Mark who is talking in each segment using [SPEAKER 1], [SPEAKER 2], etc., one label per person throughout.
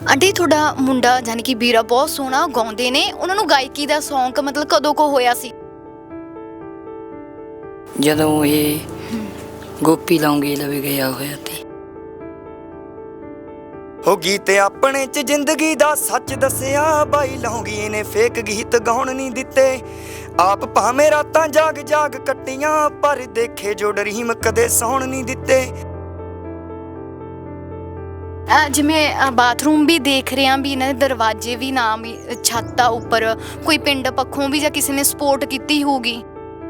[SPEAKER 1] Aunty ਤੁਹਾਡਾ ਮੁੰਡਾ ਯਾਨੀ ਕਿ ਵੀਰਾ ਬਹੁਤ ਸੋਹਣਾ ਗਾਉਂਦੇ ਨੇ, ਉਹਨਾਂ ਨੂੰ ਗਾਇਕੀ ਦਾ ਸ਼ੌਂਕ ਮਤਲਬ ਕਦੋਂ ਕੋ ਹੋਇਆ ਸੀ?
[SPEAKER 2] ਜਦੋਂ ਇਹ ਗੋਪੀ ਲੌਂਗੇ ਲਵੇ ਗਿਆ ਹੋਇਆ ਤੇ
[SPEAKER 3] ਹੋ ਗੀਤ ਆਪਣੇ ਚ ਜ਼ਿੰਦਗੀ ਦਾ ਸੱਚ ਦੱਸਿਆ ਬਾਈ ਲੌਂਗੀ ਨੇ ਫੇਕ ਗੀਤ ਗਾਉਣ ਨਹੀਂ ਦਿੱਤੇ। ਆਪ ਭਾਵੇਂ ਰਾਤਾਂ ਜਾਗ ਜਾਗ ਕੱਟੀਆਂ ਪਰ ਦੇਖੇ ਜੋ ਡਰੀਮ ਕਦੇ ਸੌਣ ਨਹੀਂ ਦਿੱਤੇ।
[SPEAKER 1] ਜਿਵੇਂ ਬਾਥਰੂਮ ਵੀ ਦੇਖ ਰਹੇ ਹਾਂ ਵੀ ਇਹਨਾਂ ਦੇ ਦਰਵਾਜ਼ੇ ਵੀ ਨਾ ਵੀ ਛੱਤਾਂ ਉੱਪਰ ਕੋਈ ਪਿੰਡ ਪੱਖੋਂ ਵੀ ਜਾਂ ਕਿਸੇ ਨੇ ਸਪੋਰਟ ਕੀਤੀ ਹੋਊਗੀ।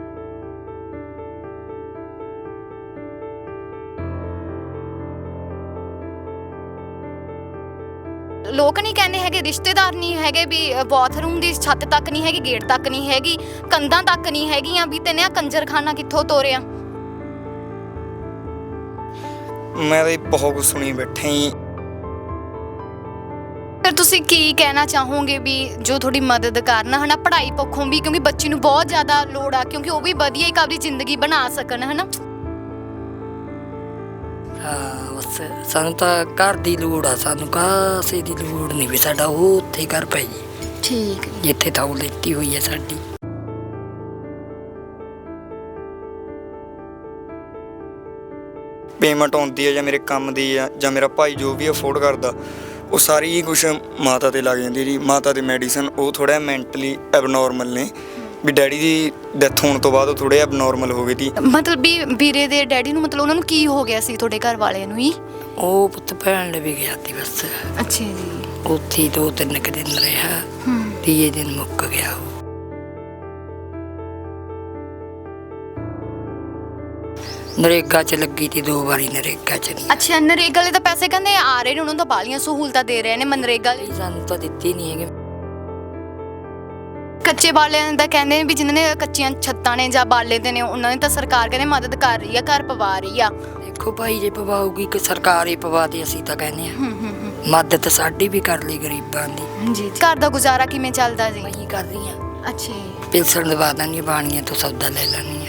[SPEAKER 1] ਲੋਕ ਨਹੀਂ ਕਹਿੰਦੇ ਹੈਗੇ, ਰਿਸ਼ਤੇਦਾਰ ਨਹੀਂ ਹੈਗੇ ਵੀ ਬਾਥਰੂਮ ਦੀ ਛੱਤ ਤੱਕ ਨਹੀਂ ਹੈਗੀ, ਗੇਟ ਤੱਕ ਨਹੀਂ ਹੈਗੀ, ਕੰਧਾਂ ਤੱਕ ਨਹੀਂ ਹੈਗੀਆਂ, ਵੀ ਤੈਨੇ ਆ ਕੰਜਰਖਾਨਾ ਕਿੱਥੋਂ ਤੋਰਿਆ?
[SPEAKER 3] ਮੈਂ ਤਾਂ ਬਹੁਤ ਕੁਝ ਸੁਣੀ ਬੈਠਾ ਹੀ।
[SPEAKER 1] ਫਿਰ ਤੁਸੀਂ ਕੀ ਕਹਿਣਾ ਚਾਹੋਗੇ ਵੀ ਜੋ ਤੁਹਾਡੀ ਮਦਦ ਕਰਨ ਹਨਾ ਪੜ੍ਹਾਈ ਪੱਖੋਂ ਵੀ, ਕਿਉਂਕਿ ਬੱਚੀ ਨੂੰ ਬਹੁਤ ਜ਼ਿਆਦਾ ਲੋੜ ਆ, ਕਿਉਂਕਿ ਉਹ ਵੀ ਵਧੀਆ ਇੱਕ ਆਪਣੀ ਜ਼ਿੰਦਗੀ ਬਣਾ ਸਕਣ ਹਨਾ।
[SPEAKER 2] ਬਸ ਸਾਨੂੰ ਤਾਂ ਘਰ ਦੀ ਲੋੜ ਆ, ਸਾਨੂੰ ਕਾਸੇ ਦੀ ਲੋੜ ਨਹੀਂ ਵੀ ਸਾਡਾ ਉਹ ਉੱਥੇ ਘਰ ਪੈ ਜੀ।
[SPEAKER 1] ਠੀਕ ਹੈ।
[SPEAKER 2] ਜਿੱਥੇ ਥਾਂ ਲੈਤੀ ਹੋਈ ਹੈ ਸਾਡੀ।
[SPEAKER 3] ਪੇਮੈਂਟ ਆਉਂਦੀ ਹੈ ਜਾਂ ਮੇਰੇ ਕੰਮ ਦੀ ਆ ਜਾਂ ਮੇਰਾ ਭਾਈ ਜੋ ਵੀ ਅਫੋਰਡ ਕਰਦਾ, ਉਹ ਸਾਰੀ ਹੀ ਕੁਛ ਮਾਤਾ 'ਤੇ ਲੱਗ ਜਾਂਦੀ ਜੀ। ਮਾਤਾ ਦੇ ਮੈਡੀਸਨ ਉਹ ਥੋੜ੍ਹਾ ਮੈਂਟਲੀ ਐਬਨੋਰਮਲ ਨੇ, ਵੀ ਡੈਡੀ ਦੀ ਡੈਥ ਹੋਣ ਤੋਂ ਬਾਅਦ ਉਹ ਥੋੜ੍ਹੇ ਐਬਨੋਰਮਲ ਹੋ ਗਏ ਸੀ।
[SPEAKER 1] ਮਤਲਬ ਵੀ ਵੀਰੇ ਦੇ ਡੈਡੀ ਨੂੰ ਮਤਲਬ ਉਹਨਾਂ ਨੂੰ ਕੀ ਹੋ ਗਿਆ ਸੀ ਤੁਹਾਡੇ ਘਰ ਵਾਲਿਆਂ ਨੂੰ ਹੀ?
[SPEAKER 2] ਉਹ ਪੁੱਤ ਭੈਣ ਵੀ ਗਿਆ ਸੀ ਬਸ।
[SPEAKER 1] ਅੱਛਾ ਜੀ।
[SPEAKER 2] ਉੱਥੇ 2-3 ਦਿਨ ਰਿਹਾ, ਤੀਏ ਦਿਨ ਮੁੱਕ ਗਿਆ ਉਹ। ਨਰੇਗਾ 'ਚ ਲੱਗੀ ਤੀ 2 ਵਾਰੀ, ਨਰੇਗਾ 'ਚ ਨਹੀਂ।
[SPEAKER 1] ਅੱਛਾ, ਨਰੇਗਾ ਵਾਲੇ ਤਾਂ ਪੈਸੇ ਕਹਿੰਦੇ ਆ ਰਹੇ ਨੇ, ਉਹਨਾਂ ਨੂੰ ਤਾਂ ਬਾਲੀਆਂ ਸਹੂਲਤਾਂ ਦੇ ਰਹੇ ਨੇ ਮਨਰੇਗਾ ਲਈ।
[SPEAKER 2] ਸਾਨੂੰ ਤਾਂ ਦਿੱਤੀ ਨਹੀਂ ਹੈਗੇ।
[SPEAKER 1] ਕੱਚੇ ਬਾਲਿਆਂ ਦਾ ਕਹਿੰਦੇ ਨੇ ਵੀ ਜਿਨ੍ਹਾਂ ਨੇ ਕੱਚੀਆਂ ਛੱਤਾਂ ਨੇ ਜਾਂ ਬਾਲੇ ਦੇ ਨੇ, ਉਹਨਾਂ ਨੇ ਤਾਂ ਸਰਕਾਰ ਕਹਿੰਦੇ ਮਦਦ ਕਰ ਰਹੀ ਆ, ਘਰ ਪਵਾ ਰਹੀ ਆ।
[SPEAKER 2] ਦੇਖੋ ਭਾਈ ਜੇ ਪਵਾਉਗੀ ਕਿ ਸਰਕਾਰ ਹੀ ਪਵਾ ਦੇ, ਅਸੀਂ ਤਾਂ ਕਹਿੰਦੇ ਆ ਮਦਦ ਸਾਡੀ ਵੀ ਕਰ ਲਈ ਗਰੀਬਾਂ ਦੀ।
[SPEAKER 1] ਜੀ। ਘਰ ਦਾ ਗੁਜ਼ਾਰਾ ਕਿਵੇਂ ਚੱਲਦਾ ਜੀ?
[SPEAKER 2] ਅਸੀਂ ਕਰ ਰਹੀ ਆ।
[SPEAKER 1] ਅੱਛਾ।
[SPEAKER 2] ਪਿਲਸਣ ਦਵਾ ਦਾਂਗੇ, ਬਾਣੀਆਂ ਤੋਂ ਸੌਦਾ ਲੈ ਲੈਣੀ ਆ।